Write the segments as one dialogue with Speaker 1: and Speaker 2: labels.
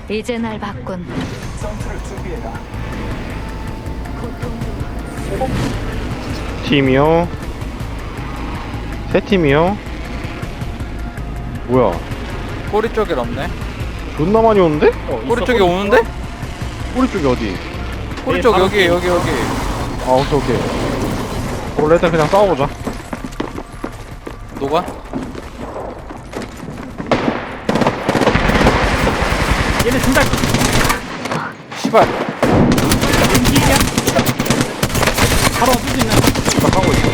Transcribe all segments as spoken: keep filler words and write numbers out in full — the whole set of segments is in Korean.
Speaker 1: 이제 날 봤군.
Speaker 2: 전투를 준비해라.
Speaker 3: 팀이요. 세 팀이요. 뭐야?
Speaker 4: 꼬리 쪽에 없네.
Speaker 3: 존나 많이 오는데?
Speaker 5: 어,
Speaker 4: 꼬리
Speaker 5: 있어,
Speaker 4: 쪽에
Speaker 5: 있어.
Speaker 4: 오는데?
Speaker 3: 꼬리 쪽이 어디?
Speaker 4: 꼬리
Speaker 5: 네,
Speaker 4: 쪽
Speaker 5: 바로
Speaker 4: 여기 여기 여기.
Speaker 3: 아 오케이 오케이. 원래 일단 그냥 싸워보자.
Speaker 4: 노가?
Speaker 5: 얘네 둘다
Speaker 4: 시발.
Speaker 5: 바로 없을 수 있는.
Speaker 3: 딱 하고 있어.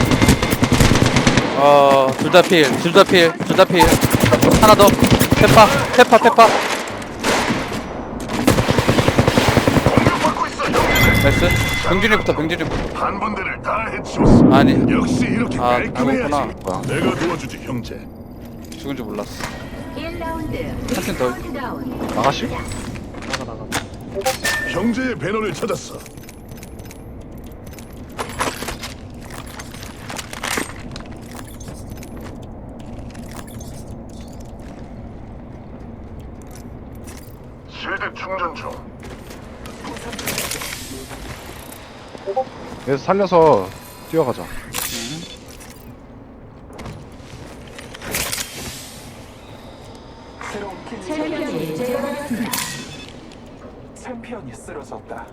Speaker 4: 어, 둘 다 필, 둘 다 필, 둘 다 필. 하나 더. 페파, 페파, 페파. 나이스. 병준이부터, 병준이부터.
Speaker 6: 한 분들을 다 해치웠어.
Speaker 4: 아니,
Speaker 6: 역시 이렇게
Speaker 4: 아,
Speaker 6: 깔끔해야지.
Speaker 4: 아니구나.
Speaker 3: 뭐야?
Speaker 6: 내가 도와주지 형제.
Speaker 4: 죽은 줄 몰랐어.
Speaker 1: 일 라운드.
Speaker 4: 한 팀 더.
Speaker 1: 다운.
Speaker 3: 나가시?
Speaker 5: 나가 나가.
Speaker 6: 형제의 배너를 찾았어. 실드 충전 중.
Speaker 3: 그래서 살려서 뛰어가자.
Speaker 2: 새로운 킬
Speaker 1: 챔피언이 제거되었습니다.
Speaker 2: 챔피언이 쓰러졌다.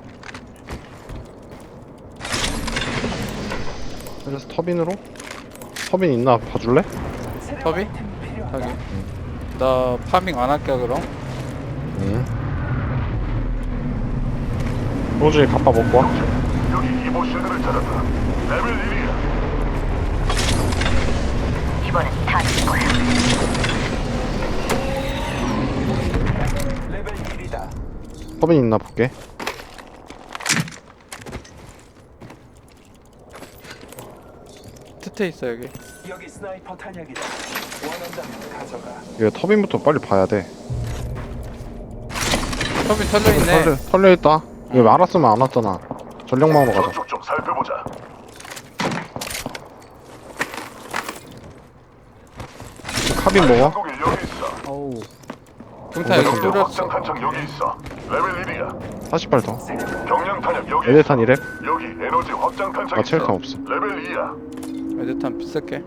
Speaker 3: 그래서 터빈으로? 터빈 있나 봐줄래?
Speaker 2: 새로운
Speaker 4: 터비?
Speaker 2: 아이템이 필요하다.
Speaker 4: 여기. 나 파밍 안 할게 그럼.
Speaker 3: 응. 호준이 갑바 먹고 와.
Speaker 6: 여기 이보 실드를 찾았다. 레벨 일이야.
Speaker 1: 이번엔 다질 거야.
Speaker 2: 레벨 일이다.
Speaker 3: 터빈 있나 볼게.
Speaker 4: 트테 있어 여기.
Speaker 2: 여기 스나이퍼 탄약이다. 원한다면 가져가.
Speaker 3: 이거 터빈부터 빨리 봐야 돼.
Speaker 4: 터빈 털려 있네.
Speaker 3: 털려, 털려있다. 이거 알았으면 안 왔잖아. 전력망으로 가자.
Speaker 6: 저쪽 좀 살펴보자.
Speaker 3: 카빈 먹어.
Speaker 6: 한국에 여기 있어.
Speaker 5: 어우.
Speaker 4: 동탄 여기
Speaker 3: 근데
Speaker 4: 뚫렸어.
Speaker 6: 확장 탄창 여기 있어. 레벨 일이야.
Speaker 3: 사십 발 더.
Speaker 6: 경량 탄약 여기.
Speaker 3: 에데탄 이랩?
Speaker 6: 여기 에너지 확장 탄창
Speaker 3: 아,
Speaker 6: 있어.
Speaker 3: 체력탄 없어.
Speaker 6: 레벨 이야.
Speaker 4: 에드탄 비쌀게.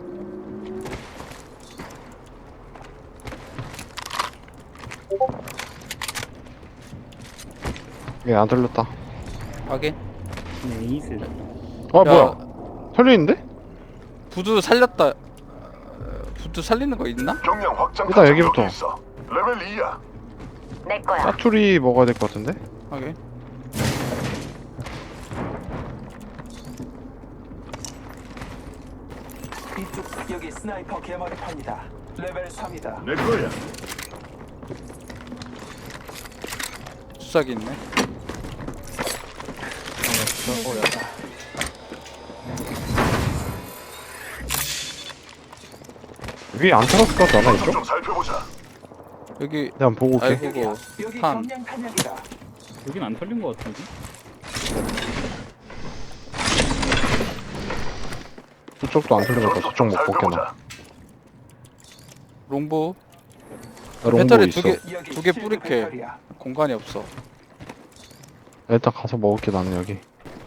Speaker 3: 얘 안 털렸다.
Speaker 4: 확인.
Speaker 5: 네이스.
Speaker 3: 아,
Speaker 4: 야,
Speaker 3: 뭐야? 털려있는데?
Speaker 4: 부두 살렸다. 어, 부두 살리는 거 있나?
Speaker 6: 경량 확장
Speaker 3: 일단
Speaker 6: 탄창
Speaker 3: 여기부터.
Speaker 6: 여기 있어. 레벨 이야.
Speaker 1: 내 거야.
Speaker 3: 짜투리 먹어야 될 것 같은데?
Speaker 4: 확인.
Speaker 2: 이쪽 여기 스나이퍼 개머리판이다. 레벨 삼이다.
Speaker 6: 내 거야.
Speaker 4: 수작이 있네.
Speaker 3: 위에 안 털었을 것 같지 않아,
Speaker 6: 저쪽
Speaker 3: 이쪽?
Speaker 6: 좀 살펴보자.
Speaker 4: 여기
Speaker 3: 내가 한번 보고 올게.
Speaker 4: 아이고
Speaker 2: 여기
Speaker 4: 탄.
Speaker 2: 경량 탄약이다.
Speaker 5: 여긴 안 털린 것 같은데.
Speaker 3: 저쪽도 안 털린 것 같아. 저쪽 못 먹겠나.
Speaker 6: 살펴보자.
Speaker 4: 롱보.
Speaker 3: 나 롱보
Speaker 4: 배터리
Speaker 3: 있어.
Speaker 4: 두 개,
Speaker 2: 여기
Speaker 4: 두 개
Speaker 2: 실드
Speaker 4: 뿌릴게.
Speaker 2: 배터리야.
Speaker 4: 공간이 없어.
Speaker 3: 일단 가서 먹을게, 나는 여기.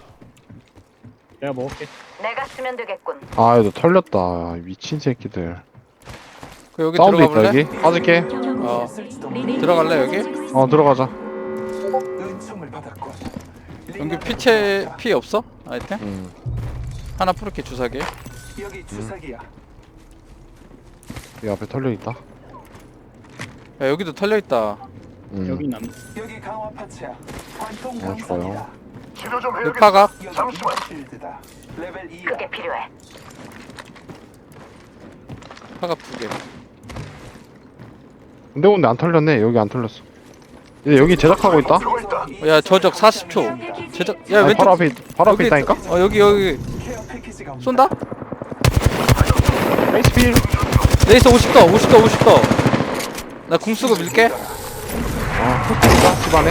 Speaker 5: 내가 먹을게.
Speaker 1: 내가 쓰면 되겠군.
Speaker 3: 아, 얘도 털렸다. 미친 새끼들.
Speaker 4: 그 여기
Speaker 3: 사운드
Speaker 4: 들어가
Speaker 3: 있다,
Speaker 4: 볼래?
Speaker 3: 여기. 빠질게.
Speaker 4: 어.
Speaker 2: 쓸지도 모르는
Speaker 4: 들어갈래 여기?
Speaker 3: 어, 들어가자.
Speaker 2: 은총을 받았군.
Speaker 4: 여기 피체 피 없어? 아이템?
Speaker 3: 음.
Speaker 4: 하나 뿌릴게 주사기.
Speaker 2: 여기 주사기야.
Speaker 3: 이 앞에 털려있다.
Speaker 4: 야 여기도 털려 있다.
Speaker 3: 음.
Speaker 5: 여긴 안.
Speaker 2: 여기 강화 파츠야. 관통
Speaker 3: 어,
Speaker 2: 강선이다.
Speaker 3: 좋아요.
Speaker 6: 치료 좀
Speaker 4: 그
Speaker 6: 해야겠다.
Speaker 4: 파각.
Speaker 2: 여기
Speaker 6: 잠시만.
Speaker 2: 실드다. 레벨 이야.
Speaker 1: 그게 필요해.
Speaker 4: 파각 두 개.
Speaker 3: 근데 근데 안 털렸네. 여기 안 털렸어. 얘 여기 제작하고 있다?
Speaker 6: 저거 있다.
Speaker 4: 야 저적 사십 초. 제작. 야
Speaker 3: 아니,
Speaker 4: 왼쪽.
Speaker 3: 바로 앞에 바로 앞에
Speaker 4: 여기
Speaker 3: 있다니까?
Speaker 4: 있- 어 여기 여기
Speaker 2: 케어 패키지가 온다.
Speaker 4: 쏜다?
Speaker 3: 에이스필.
Speaker 4: 레이스 오십 더 오십 더 오십 더. 나 궁 쓰고 밀게.
Speaker 3: 아, 털렸다. 집안에.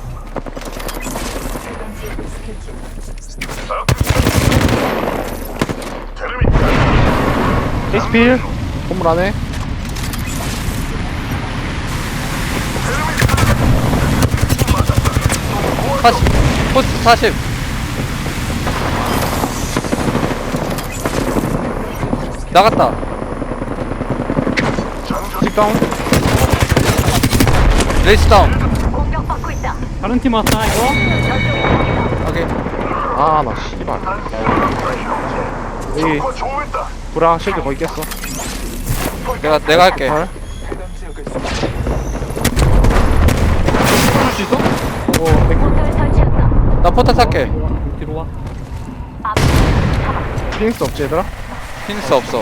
Speaker 6: 테르미.
Speaker 3: 에이스필. 건물 안에.
Speaker 4: 사십 포스트 사십. 나갔다.
Speaker 3: 직 다운.
Speaker 4: 레이스 다운.
Speaker 1: 공격받고 있다.
Speaker 5: 다른 팀 왔다 이거.
Speaker 1: 저쪽에 적이다.
Speaker 4: 오케이.
Speaker 3: 아, 나 씨발. 여기
Speaker 6: 어, 좋았다.
Speaker 3: 브라 실드 거의 깼어.
Speaker 4: 내가 내가 할게.
Speaker 3: 발.
Speaker 2: 해당 지역을
Speaker 3: 풀 수 있어? 어, 땡.
Speaker 1: 포털 설치한다.
Speaker 4: 나 포탈 탈게.
Speaker 5: 뒤로 와.
Speaker 1: 앞.
Speaker 3: 피닉스 없지 얘들아?
Speaker 4: 피닉스 없어.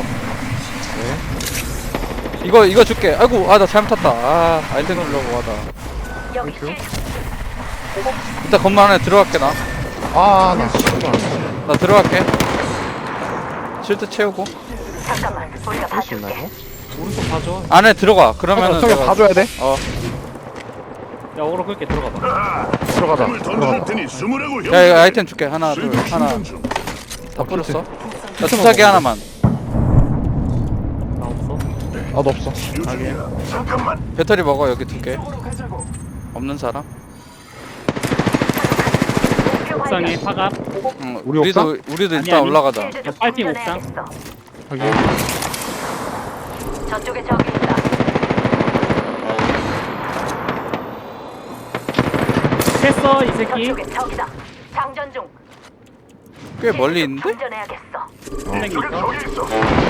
Speaker 4: 이거 이거 줄게. 아이고 아 나 잘못 탔다. 아 아이템 누르려고 하다.
Speaker 1: 여기
Speaker 3: 땡큐.
Speaker 1: 실
Speaker 4: 일단 건물 안에 들어갈게 나.
Speaker 3: 아, 나 씨발.
Speaker 4: 나 들어갈게. 실드 채우고
Speaker 1: 잠깐만. 우리가
Speaker 3: 할 수 있나
Speaker 1: 봐줄게.
Speaker 3: 이거?
Speaker 5: 오른쪽 봐줘.
Speaker 4: 안에 들어가. 그러면은
Speaker 3: 저기
Speaker 4: 내가-
Speaker 3: 봐줘야 돼.
Speaker 4: 어.
Speaker 5: 야 어그로 끌게 들어가봐.
Speaker 3: 들어가자.
Speaker 6: 을 던져줄
Speaker 3: 들어가자.
Speaker 6: 테니 숨으라고 형.
Speaker 4: 야 이거 아이템 줄게. 하나 둘
Speaker 6: 실드
Speaker 4: 하나
Speaker 6: 충전 중.
Speaker 4: 다 뿌렸어. 나 주사기 하나만.
Speaker 5: 나 없어.
Speaker 3: 아, 너 없어.
Speaker 6: 유준이야. 잠깐만.
Speaker 4: 배터리 먹어 여기 두 개.
Speaker 2: 쪽으로 가자고.
Speaker 4: 없는 사람?
Speaker 1: 목표
Speaker 5: 옥상에
Speaker 1: 발견.
Speaker 5: 파갑.
Speaker 4: 응.
Speaker 3: 우리
Speaker 4: 우리도
Speaker 3: 옥상?
Speaker 4: 우리도
Speaker 5: 아니,
Speaker 4: 일단
Speaker 5: 아니.
Speaker 4: 올라가자.
Speaker 1: 실드 좀
Speaker 5: 빨핑 옥상.
Speaker 1: 충전해야겠어.
Speaker 3: 확인.
Speaker 1: 저쪽에 적이 있다.
Speaker 5: 했어 이 새끼.
Speaker 1: 저쪽에 적이다. 장전 중.
Speaker 4: 꽤 멀리 있는데?
Speaker 1: 충전해야겠어.
Speaker 5: 선생님
Speaker 6: 저기
Speaker 5: 있어.
Speaker 6: 저기 있어.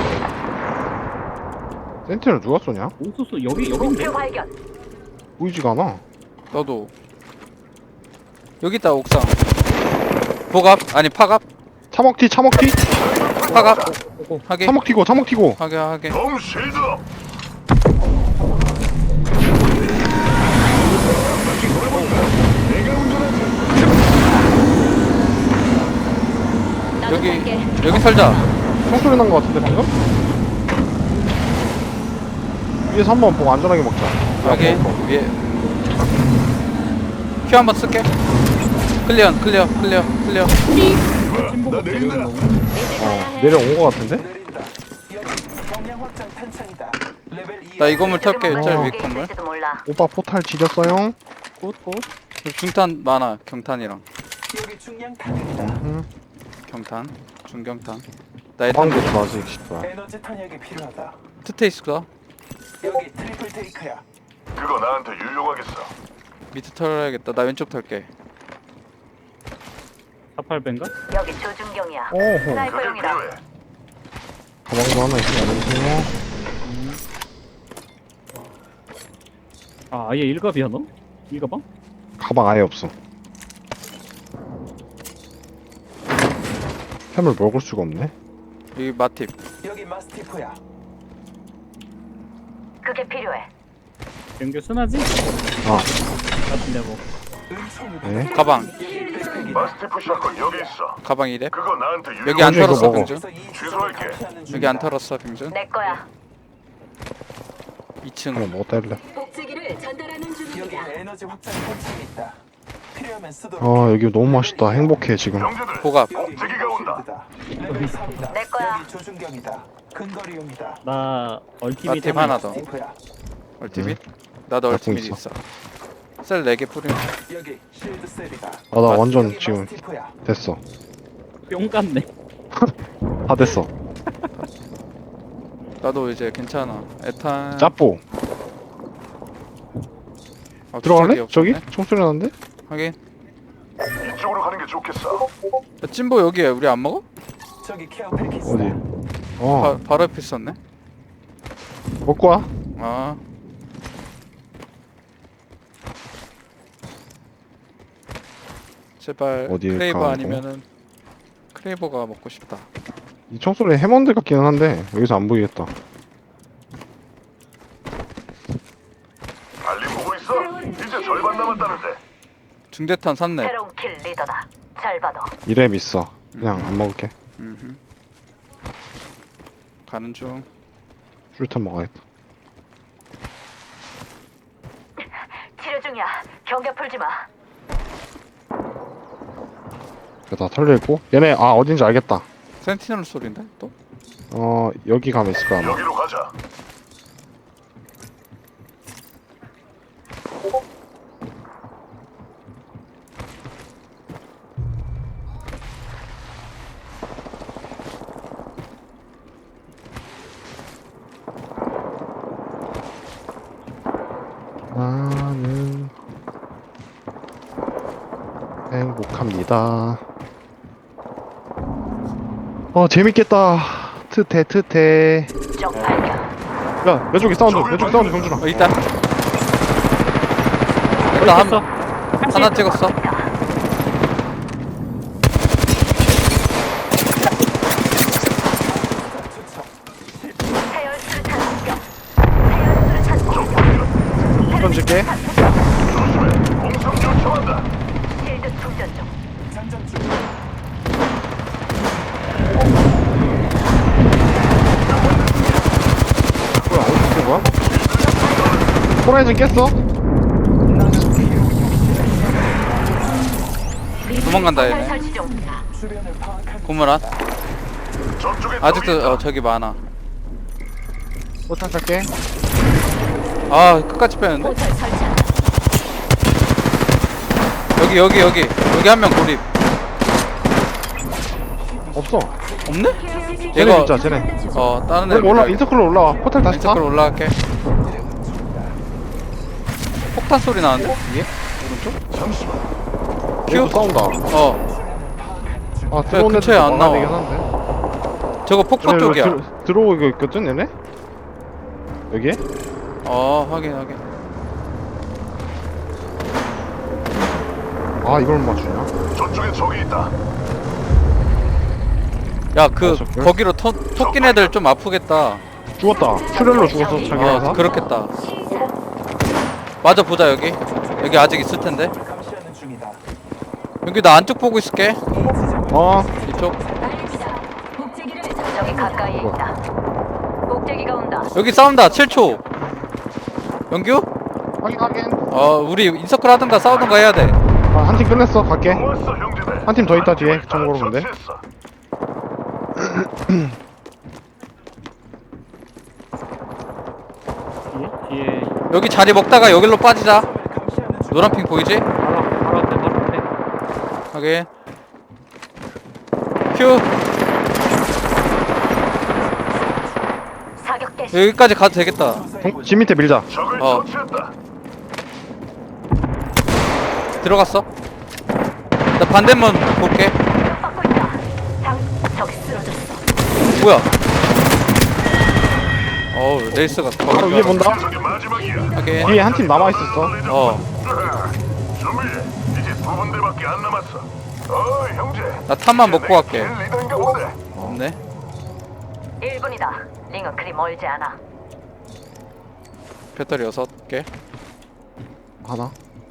Speaker 3: 센티를 누가 쏘냐?
Speaker 5: 옥수수 여기 여기인데.
Speaker 1: 목표 발견.
Speaker 3: 보이지가 않아.
Speaker 4: 너도. 여기 있다 옥상. 보갑 아니 파갑
Speaker 3: 차먹튀, 차먹튀.
Speaker 4: 파갑
Speaker 5: 오고.
Speaker 4: 하게
Speaker 3: 차먹튀고, 차먹튀고.
Speaker 4: 하게 하게.
Speaker 6: 덤 실드 업.
Speaker 1: 나도
Speaker 4: 여기
Speaker 1: 갈게.
Speaker 4: 여기 살자.
Speaker 3: 총소리 난 거 같은데 방금? 위에서 한 번 보고 안전하게 먹자.
Speaker 4: 여기
Speaker 3: 야, 먹어.
Speaker 4: 위에 큐 한번 쓸게. 클리어 클리어 클리어 클리어.
Speaker 6: 나 내린다.
Speaker 3: 어, 내려온 거 같은데?
Speaker 2: 내린다. 여기 경량 확장 탄창이다. 레벨 이.
Speaker 4: 나 이 건물 털게.
Speaker 1: 지금은
Speaker 4: 짤
Speaker 1: 저쪽에
Speaker 4: 위 건물.
Speaker 1: 있을지도 몰라.
Speaker 3: 오빠 포탈 지렸어요?
Speaker 5: 꽃꽃.
Speaker 4: 중탄 많아. 경탄이랑
Speaker 2: 여기 중량 탄약이다.
Speaker 3: 응.
Speaker 4: 경탄 중경탄. 나의
Speaker 3: 빵
Speaker 4: 탄
Speaker 3: 좋다, 아직 씨발.
Speaker 2: 에너지 탄약이 필요하다.
Speaker 4: 트테이스가
Speaker 2: 여기 트리플 테이크야.
Speaker 6: 그거 나한테 유용하겠어.
Speaker 4: 밑에 털어야겠다. 나 왼쪽 털게.
Speaker 5: 사팔배인가?
Speaker 1: 여기 조준경이야.
Speaker 3: 오호.
Speaker 6: 그게
Speaker 1: 스나이퍼용이다.
Speaker 6: 필요해.
Speaker 3: 가방도 하나 있으면 안녕하세요.
Speaker 5: 아 아예 일갑이야 너? 일가방?
Speaker 3: 가방 아예 없어. 햄을 먹을 수가 없네.
Speaker 4: 여기 마팁.
Speaker 2: 여기 마스티프야.
Speaker 1: 그게 필요해.
Speaker 5: 연결 순하지?
Speaker 3: 아,
Speaker 5: 같은데 뭐.
Speaker 2: 은총이.
Speaker 3: 네.
Speaker 4: 가방
Speaker 6: 마스티프 샷건 여기 있어.
Speaker 4: 가방 이래.
Speaker 6: 그거 나한테 유용.
Speaker 4: 여기 안
Speaker 3: 이거
Speaker 4: 털었어
Speaker 3: 먹어.
Speaker 4: 병준.
Speaker 6: 취소할게.
Speaker 4: 여기 안 털었어 병준.
Speaker 1: 내 거야.
Speaker 3: 하나
Speaker 4: 이 층.
Speaker 3: 먹었다 일래.
Speaker 1: 복제기를 전달하는
Speaker 2: 여기 에너지 확장 탄창이 있다. 필요하면 쓰도록.
Speaker 3: 아, 여기 너무 맛있다. 행복해 지금.
Speaker 6: 형제들.
Speaker 4: 보갑.
Speaker 6: 복제기가 온다.
Speaker 2: 실드다. 레벨 삼이다.
Speaker 1: 내 거야.
Speaker 2: 여기 조준경이다. 근거리용이다.
Speaker 5: 나 얼티밋
Speaker 4: 마팁 하나 더.
Speaker 2: 마스티프야.
Speaker 4: 얼티밋. 나도
Speaker 3: 갖고
Speaker 4: 얼티밋
Speaker 3: 있어.
Speaker 4: 있어. 셀 네 개 뿌리면.
Speaker 2: 여기 실드 셀이다.
Speaker 3: 아, 나 완전
Speaker 2: 여기
Speaker 3: 지금
Speaker 2: 마스티프야.
Speaker 3: 됐어.
Speaker 5: 뿅 같네.
Speaker 3: 다 됐어.
Speaker 4: 나도 이제 괜찮아. 에탄.
Speaker 3: 짜뽀.
Speaker 4: 아,
Speaker 3: 들어갈래?
Speaker 4: 주사기
Speaker 3: 저기?
Speaker 4: 없었네.
Speaker 3: 총소리 나는데?
Speaker 4: 하긴.
Speaker 6: 이쪽으로 가는 게 좋겠어.
Speaker 4: 야, 찐보 여기에 우리 안 먹어?
Speaker 2: 저기 케어 패키지.
Speaker 3: 어디? 어,
Speaker 4: 바, 바로 옆에 있었네.
Speaker 3: 먹고 와.
Speaker 4: 아. 제발
Speaker 3: 어디에
Speaker 4: 크레이버
Speaker 3: 가는
Speaker 4: 아니면은 크레이버가 먹고 싶다.
Speaker 3: 이 총소리 해먼드 같기는 한데 여기서 안 보이겠다.
Speaker 6: 빨리 보고 있어. 이제 절반 남았다는데.
Speaker 4: 중대탄 샀네.
Speaker 1: 새로운 킬 리더다. 잘 받아.
Speaker 3: 이랩 있어. 그냥 안 먹을게.
Speaker 4: 음흠. 가는 중.
Speaker 3: 술탄 먹어야겠다.
Speaker 1: 치료 중이야. 경계 풀지 마.
Speaker 3: 다 털려있고 얘네 아 어딘지 알겠다.
Speaker 4: 센티널 소리인데 또?
Speaker 3: 어 여기 가면 있을 거야 아마.
Speaker 6: 여기로 가자.
Speaker 3: 행복합니다. 어 재밌겠다. 트태 트태.
Speaker 1: 적 발견.
Speaker 3: 야 왼쪽에 사운드 왼쪽 사운드 병준아.
Speaker 4: 어 있다. 일단 한
Speaker 5: 있어.
Speaker 4: 하나 찍었어.
Speaker 1: 해열 수류탄 공격. 해열 수류탄 공격.
Speaker 3: 던질게.
Speaker 6: 조심해. 공성 요청한다.
Speaker 1: 실드 충전 중.
Speaker 2: 장전 중.
Speaker 3: 뭐야 어디 된 거야? 호라이즌 깼어?
Speaker 4: 도망간다
Speaker 1: 포탈
Speaker 4: 얘네.
Speaker 1: 설치 중.
Speaker 2: 주변을 파악한
Speaker 4: 고무란.
Speaker 6: 저쪽에
Speaker 4: 아직도
Speaker 6: 적이 있다.
Speaker 4: 어 저기 많아.
Speaker 3: 포탄 살게.
Speaker 4: 아 끝까지 빼는데.
Speaker 1: 포탈 설치한다.
Speaker 4: 여기 여기 여기 여기 한 명 고립.
Speaker 3: 없어.
Speaker 4: 없네?
Speaker 3: 쟤네
Speaker 4: 얘가
Speaker 3: 진짜 쟤네.
Speaker 4: 어 다른 애
Speaker 3: 그럼 올라 인서클로 올라와. 포탈 다시 타.
Speaker 4: 인서클 올라갈게. 폭탄 소리 나는데 위에 오른쪽?
Speaker 6: 잠시만.
Speaker 3: 얘도 싸운다.
Speaker 4: 어
Speaker 3: 아 들어온
Speaker 4: 근처에
Speaker 3: 애들
Speaker 4: 안
Speaker 3: 막아야
Speaker 4: 나와.
Speaker 3: 되긴 한데.
Speaker 4: 저거 폭포
Speaker 3: 쟤네
Speaker 4: 쪽이야.
Speaker 3: 들, 들어오고 있거든 얘네? 여기에?
Speaker 4: 어 확인 확인.
Speaker 3: 아 이걸 못 맞추냐?
Speaker 6: 저쪽에 적이 있다.
Speaker 4: 야 그
Speaker 3: 아, 저걸?
Speaker 4: 거기로 토, 토낀 애들 좀 아프겠다.
Speaker 3: 죽었다. 출혈로 죽었어 자기
Speaker 4: 어
Speaker 3: 회사.
Speaker 4: 그렇겠다. 맞아 보자 여기. 여기 아직 있을 텐데.
Speaker 2: 감시하는 중이다.
Speaker 4: 여기 나 안쪽 보고 있을게.
Speaker 3: 어
Speaker 4: 이쪽.
Speaker 1: 적이 가까이에 있다. 목재기가 온다.
Speaker 4: 여기 싸운다. 칠 초. 영규?
Speaker 3: 확인 확인.
Speaker 4: 어 우리 인서클 하든가 싸우든가 해야 돼.
Speaker 3: 아, 한 팀 끝냈어 갈게.
Speaker 6: 좋았어 형제들.
Speaker 3: 한 팀 더 있다 뒤에. 참고로 근데.
Speaker 6: 처치했어.
Speaker 5: 뒤에 뒤에
Speaker 4: 여기 자리 먹다가 여기로 빠지자.
Speaker 2: 감시하는 중.
Speaker 4: 노란핑 보이지?
Speaker 5: 바로 바로 앞에 바로 앞에.
Speaker 4: 확인. 큐.
Speaker 1: 사격 개시.
Speaker 4: 여기까지 가도 되겠다.
Speaker 3: 동, 집 밑에 밀자.
Speaker 6: 적을
Speaker 4: 어.
Speaker 6: 처치했다.
Speaker 4: 들어갔어. 나 반대문 볼게.
Speaker 1: 받고 있다. 장 적이 쓰러졌어.
Speaker 4: 뭐야? 어우 레이스가 더
Speaker 3: 바로 위에 본다.
Speaker 6: 저게 마지막이야.
Speaker 4: 확인.
Speaker 3: 뒤에 한 팀 남아 있었어.
Speaker 4: 어.
Speaker 6: 준비해. 이제 두 군데밖에 안 남았어. 어 형제.
Speaker 4: 나 탄만 먹고 갈게.
Speaker 6: 제일 리더인가 보네.
Speaker 4: 없네.
Speaker 1: 일 분이다. 링은 그리 멀지 않아.
Speaker 4: 배터리 여섯 개.
Speaker 3: 하나.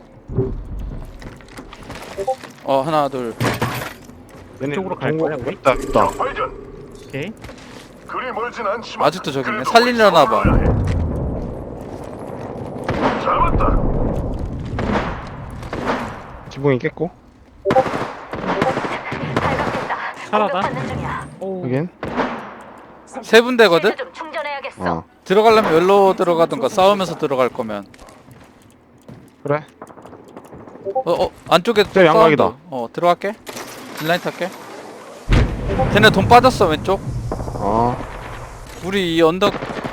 Speaker 4: 어 하나 둘.
Speaker 3: 얘네
Speaker 5: 이쪽으로 갈
Speaker 3: 동굴-
Speaker 5: 거야, 우리?
Speaker 3: 있다 있다.
Speaker 6: 발견.
Speaker 5: 오케이.
Speaker 6: 그리 멀진 않지만.
Speaker 4: 아직도 저기 있네.
Speaker 6: 그래도
Speaker 4: 살리려나 봐.
Speaker 6: 서둘러야 해. 잡았다.
Speaker 3: 지붕이 깼고.
Speaker 1: 발각됐다.
Speaker 5: 살아다.
Speaker 1: 공격받는 중이야.
Speaker 5: 오.
Speaker 3: 여긴.
Speaker 4: 세 분대거든.
Speaker 1: 실드 좀 충전해야겠어.
Speaker 3: 어
Speaker 4: 들어가려면 열로 들어가든가 싸우면서 들어갈 거면.
Speaker 3: 그래.
Speaker 4: 어, 어 안쪽에 또
Speaker 3: 쟤 양각이다.
Speaker 4: 사운드. 어 들어갈게. 인라인 탈게. 쟤네 돈 빠졌어 왼쪽.
Speaker 3: 어
Speaker 4: 우리 이 언덕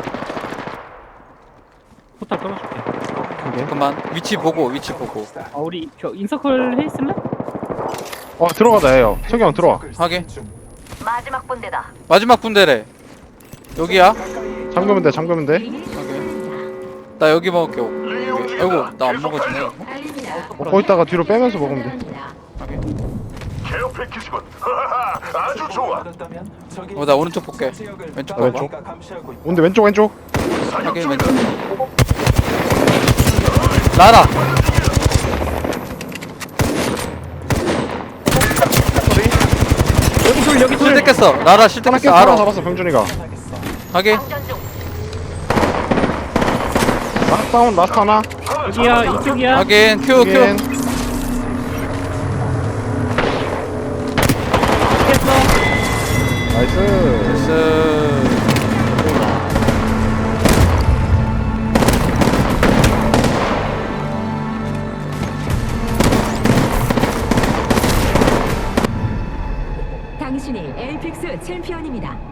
Speaker 5: 포탈 떨어줄게.
Speaker 3: 오케이.
Speaker 4: 그만 위치 보고 위치 보고.
Speaker 5: 아 우리 저 인서클 해 있을래?
Speaker 3: 어 들어가자 해요. 석영 들어와.
Speaker 4: 하게.
Speaker 1: 마지막 분대다.
Speaker 4: 마지막 군대래. 여기야.
Speaker 3: 잠그면 돼 잠그면 돼.
Speaker 4: 하게. 나 여기 먹을게.
Speaker 6: 링이
Speaker 4: 여기.
Speaker 6: 움직인다.
Speaker 4: 아이고 나 안
Speaker 6: 계속
Speaker 4: 먹어지네.
Speaker 6: 달려.
Speaker 3: 먹고 있다가 뒤로 빼면서 먹으면 돼.
Speaker 4: 하게.
Speaker 6: 케어 패키지군. 하하하, 아주 좋아.
Speaker 2: 받았다면 적이
Speaker 4: 어 나 오른쪽 볼게.
Speaker 2: 지역을
Speaker 4: 왼쪽
Speaker 2: 따로
Speaker 4: 봐봐.
Speaker 2: 우리가 감시하고 있다.
Speaker 3: 온데 왼쪽 왼쪽.
Speaker 6: 사격
Speaker 4: 하게
Speaker 6: 중이다.
Speaker 4: 왼쪽. 나라.
Speaker 5: 여기 둘 여기 둘.
Speaker 4: 실드 깼어. 나라 실드
Speaker 3: 하나
Speaker 4: 깼어.
Speaker 3: 깼어 하나
Speaker 4: 알아.
Speaker 3: 잡았어 병준이가.
Speaker 2: 하겠어.
Speaker 4: 하게.
Speaker 1: 장전 중.
Speaker 3: 라스트 다운 라스트 하나.
Speaker 5: 여기야 이쪽이야.
Speaker 4: 하긴 큐
Speaker 3: 여긴.
Speaker 4: 큐.
Speaker 5: 깼어.
Speaker 3: 나이스.
Speaker 4: 나이스.
Speaker 7: 당신이 에이픽스 챔피언입니다.